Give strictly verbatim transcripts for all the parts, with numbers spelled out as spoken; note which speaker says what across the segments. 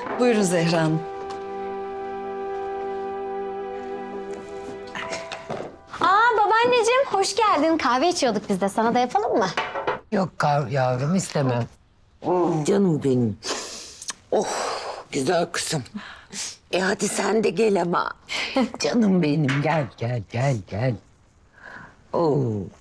Speaker 1: Buyurun Zehra Hanım.
Speaker 2: Aa babaanneciğim hoş geldin. Kahve içiyorduk biz de. Sana da yapalım mı?
Speaker 3: Yok kav yavrum istemem. Canım benim. Oh güzel kızım. E hadi sen de gel ama. Canım benim gel gel gel gel. Oo.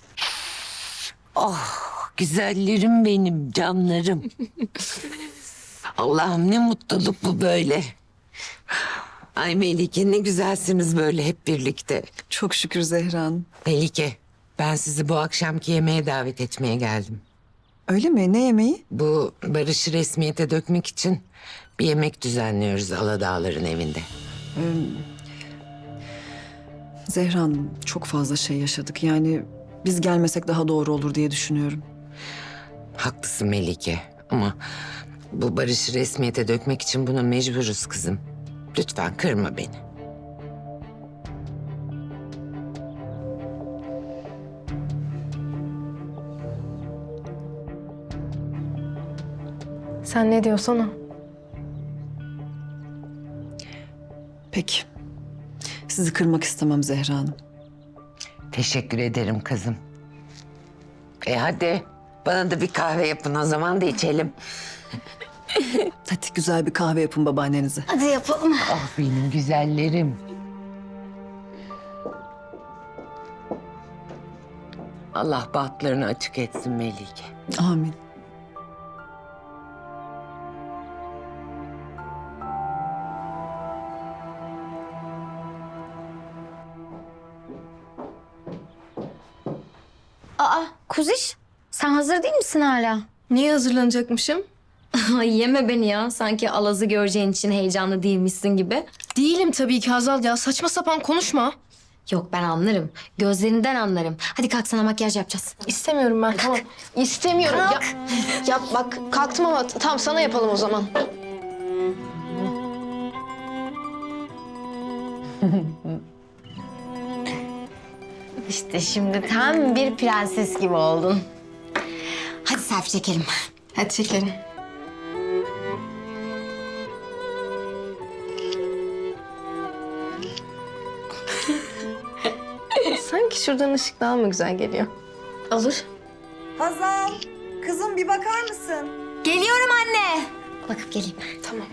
Speaker 3: Oh güzellerim benim canlarım. Allah'ım ne mutluluk bu böyle. Ay Melike ne güzelsiniz böyle hep birlikte.
Speaker 1: Çok şükür Zehra Hanım.
Speaker 3: Melike ben sizi bu akşamki yemeğe davet etmeye geldim.
Speaker 1: Öyle mi? Ne yemeği?
Speaker 3: Bu barışı resmiyete dökmek için bir yemek düzenliyoruz Aladağların evinde.
Speaker 1: Zehra Hanım çok fazla şey yaşadık. Yani biz gelmesek daha doğru olur diye düşünüyorum.
Speaker 3: Haklısın Melike ama bu barışı resmiyete dökmek için buna mecburuz kızım. Lütfen kırma beni.
Speaker 4: Sen ne diyorsan o.
Speaker 1: Peki. Sizi kırmak istemem Zehra Hanım.
Speaker 3: Teşekkür ederim kızım. E hadi bana da bir kahve yapın o zaman da içelim.
Speaker 1: Hadi güzel bir kahve yapın babaannenize.
Speaker 2: Hadi yapalım.
Speaker 3: Ah benim güzellerim. Allah bahtlarını açık etsin Melike.
Speaker 1: Amin.
Speaker 2: Aa Kuziş sen hazır değil misin hala?
Speaker 4: Niye hazırlanacakmışım?
Speaker 2: Ay yeme beni ya. Sanki Alaz'ı göreceğin için heyecanlı değilmişsin gibi.
Speaker 4: Değilim tabii ki Hazal ya. Saçma sapan konuşma.
Speaker 2: Yok ben anlarım. Gözlerinden anlarım. Hadi kalk sana makyaj yapacağız.
Speaker 4: İstemiyorum ben. Tamam. İstemiyorum. Ya, ya bak kalktım ama tamam sana yapalım o zaman.
Speaker 2: İşte şimdi tam bir prenses gibi oldun. Hadi selfie çekelim.
Speaker 4: Hadi çekelim. Sanki şuradan ışık daha mı güzel geliyor?
Speaker 2: Olur.
Speaker 5: Hazal, kızım bir bakar mısın?
Speaker 2: Geliyorum anne. Bakıp geleyim.
Speaker 4: Tamam.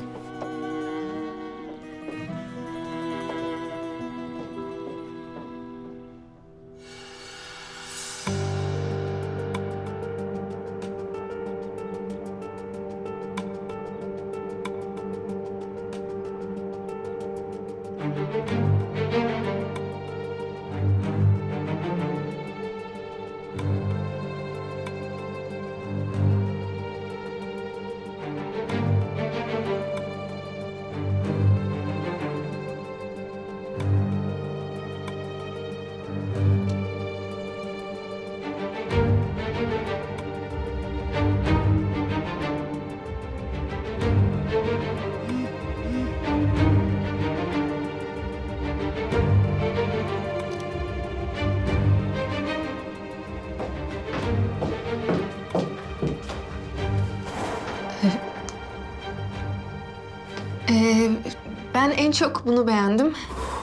Speaker 4: Ee, ben en çok bunu beğendim.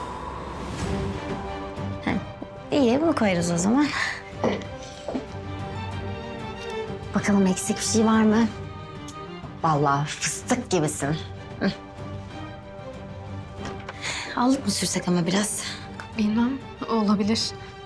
Speaker 2: İyi bunu koyarız o zaman. Bakalım eksik bir şey var mı? Vallahi fıstık gibisin. Hı. Allık mı sürsek ama biraz?
Speaker 4: Bilmem olabilir.